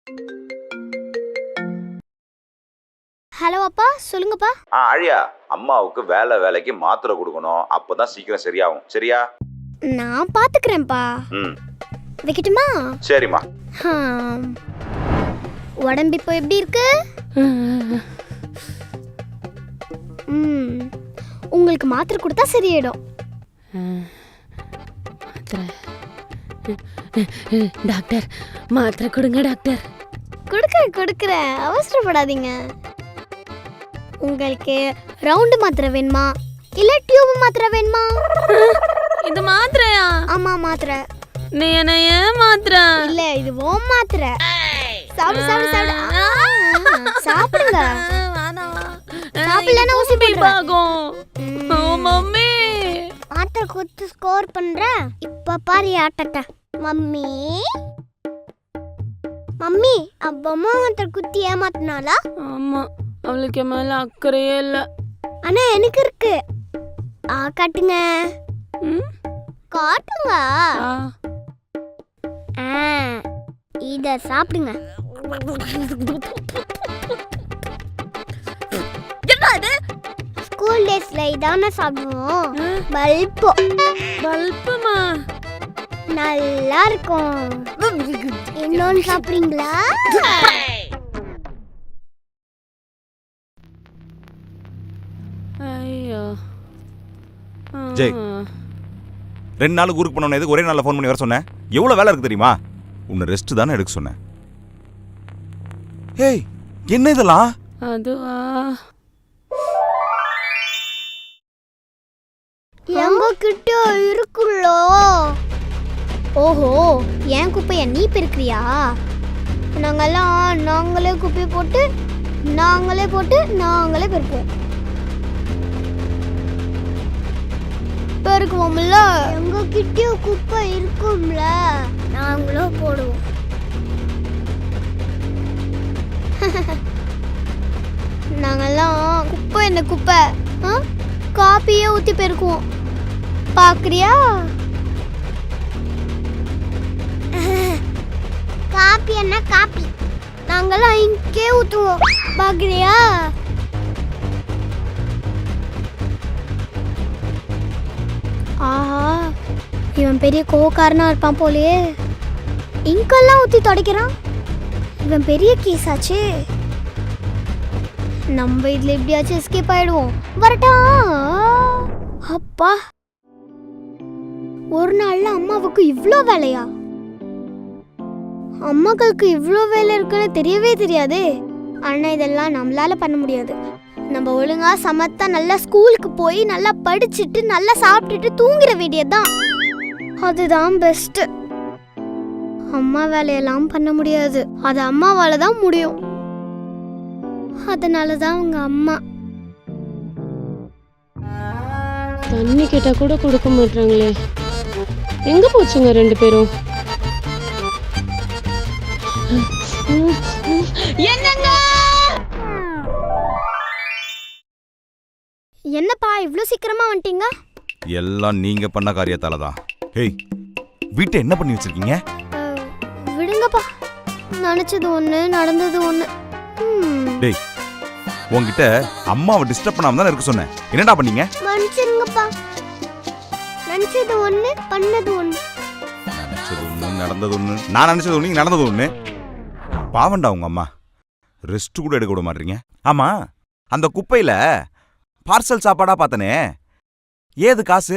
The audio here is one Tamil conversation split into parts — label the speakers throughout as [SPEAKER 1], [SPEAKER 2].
[SPEAKER 1] ஹலோ அப்பா, சொல்லுங்கப்பா.
[SPEAKER 2] ஆழியா, அம்மாவுக்கு வேலைக்கு மாத்திரை கொடுக்கணும். அப்பதான் சீக்கிரம் சரியாகும். சரியா?
[SPEAKER 1] நான் பாத்துக்கிறேன்ப்பா. வைக்கட்டுமா?
[SPEAKER 2] சரிம்மா.
[SPEAKER 1] உடம்பு இப்போ எப்படி இருக்கு? உங்களுக்கு மாத்திரை கொடுத்தா சரியாயிடும்.
[SPEAKER 3] டாக்டர், மாத்திரை கொடுங்க டாக்டர்.
[SPEAKER 1] கொடுக்குறேன், அவசரப்படாதீங்க. உங்களுக்கு ரவுண்டு மாத்திரை வேணுமா இல்ல டியூப் மாத்திரை வேணுமா?
[SPEAKER 3] இது மாத்திரையா?
[SPEAKER 1] ஆமா, மாத்திரை.
[SPEAKER 3] நீ என்ன ஏன் மாத்திரை?
[SPEAKER 1] இல்ல, இது ஓம் மாத்திரை. சாப்பிடுங்க. சாப்பிடலன்னா ஊசி போடுறேன்.
[SPEAKER 3] ஓ மம்மி,
[SPEAKER 1] மாத்திரை கொடுத்து ஸ்கோர் பண்ற. இப்ப பாரு ஆட்டட்ட. மம்மி அப்பா மாத்திரை குத்தி ஏமாத்தினாலா?
[SPEAKER 3] ஆமா, அவளுக்கு மேல அக்கறையே இல்ல.
[SPEAKER 1] ஆனா எனக்கு இருக்கு. காட்டுங்க. காட்டுங்க. இத சாப்பிடுங்க. ஸ்கூல் டேஸ்ல இதான சாப்பிடுவோம். பல்புமா நல்லா இருக்கும். இன்னொன்னு சாப்பிடுறீங்களா?
[SPEAKER 3] ஐயோ
[SPEAKER 2] ஜெய், 2 நாளுக்கு ஊருக்கு போனோம். எதுக்கு ஒரே நாள்ல ஃபோன் பண்ணி வர சொன்னேன்? எவ்வளவு வேலை இருக்கு தெரியுமா? உன்னை ரெஸ்ட் தானே எடுக்க சொன்னேன். ஏய், என்ன இதெல்லாம்?
[SPEAKER 3] அதுவா,
[SPEAKER 1] எங்க கிட்ட இருக்குல்லோ. ஓஹோ, என் குப்பைய நீ பெருக்கிறியா? நாங்களே குப்பையை போட்டு நாங்களே பெருப்போம். பெருக்குவோம்ல. எங்க கிட்ட குப்பை இருக்கும்ல, நாங்களும் போடுவோம். நாங்கெல்லாம் குப்பை என்ன குப்பை காப்பியே ஊத்தி பெருக்குவோம். பாக்குறியா? காப்பி என்ன காப்பி, நாங்கெல்லாம் இங்கே ஊத்துவோம். பாக்குறியா? ஆஹா, இவன் பெரிய கோவக்காரனா இருப்பான் போலயே. இங்கெல்லாம் ஊத்தி துடைக்கிறான். இவன் பெரிய கேஸாச்சு. நம்ம இதுல எப்படியாச்சும் எஸ்கேப் ஆயிடுவோம். வரட்டா? அப்பா, ஒரு நாள்ல அம்மாவுக்கு இவ்ளோ வேலையா? அம்மாக்களுக்கு இவ்ளோ வேலை இருக்குன்னு தெரியவே தெரியாதே. ஆனா இதெல்லாம் நம்மளால பண்ண முடியாது. நம்ம ஒழுங்கா சமத்தா நல்லா ஸ்கூலுக்கு போய் நல்லா படிச்சுட்டு நல்லா சாப்பிட்டுட்டு தூங்கிட வேண்டியதுதான். அதுதான் பெஸ்ட். அம்மா வேலையெல்லாம் பண்ண முடியாது. அது அம்மாவால தான் முடியும். அதனாலதான் உங்க அம்மா
[SPEAKER 3] தண்ணி கேட்டா கூட கொடுக்க மாட்டாங்களே. எங்க போச்சுங்க 2 பேரும்?
[SPEAKER 1] என்னப்பா இவ்ளோ சீக்கிரமா வந்துட்டீங்க?
[SPEAKER 2] எல்லாம் நீங்க பண்ண காரியத்தால தான். ஏய், வீட்டை என்ன பண்ணி வச்சிருக்கீங்க?
[SPEAKER 1] விடுங்கப்பா, நினைச்சது ஒண்ணு நடந்தது ஒண்ணு.
[SPEAKER 2] டேய், உன்கிட்ட அம்மாவை டிஸ்டர்ப் பண்ணாம தான் இருக்க சொன்னேன். என்னடா பண்ணீங்க?
[SPEAKER 1] மன்னிச்சிருங்கப்பா. நினைச்சது ஒண்ணு பண்ணது ஒண்ணு.
[SPEAKER 2] நினைச்சது ஒண்ணு நடந்தது ஒண்ணு. நான் நினைச்சது ஒண்ணு நடந்தது ஒண்ணு. பாவண்டா உங்க அம்மா, ரெஸ்ட் கூட எடுக்க விட மாட்டீங்க. ஆமா, அந்த குப்பையில பார்சல் சாப்பாடா பார்த்தனே, ஏது காசு?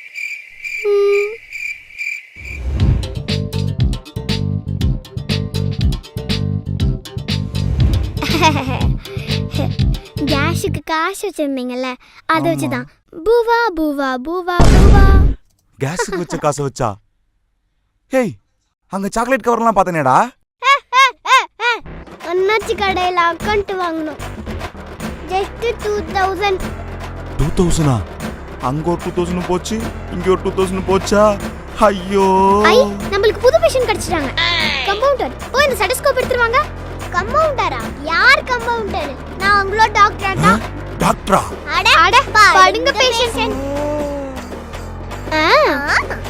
[SPEAKER 1] கேஷுக்கு காசு வச்சிருந்தீங்கல்ல, அதை வச்சுதான். பூவா பூவா பூவா பூவா.
[SPEAKER 2] கேஸுக்கு வச்ச காசு வச்சா? ஹேய், அங்க சாக்லேட் கவர்லாம் பார்த்தனேடா.
[SPEAKER 1] அண்ணாச்சி கடையில் அக்கௌண்ட் வாங்கணும். ஜஸ்ட் 2000.
[SPEAKER 2] 2000? அங்க ஒரு 2000 போச்சு, இங்க ஒரு 2000 போச்சா? ஐயோ,
[SPEAKER 1] நம்மளுக்கு புது பேஷன் கிடைச்சிட்டாங்க. கம்பவுண்டர், ஓ இந்த ஸ்டெத்தோஸ்கோப் எடுத்துருவாங்க. கம்பவுண்டரா? யார் கம்பவுண்டர்? நான் உங்களோட டாக்டர் தான்.
[SPEAKER 2] டாக்டரா?
[SPEAKER 1] அட படுங்க பேஷண்ட்.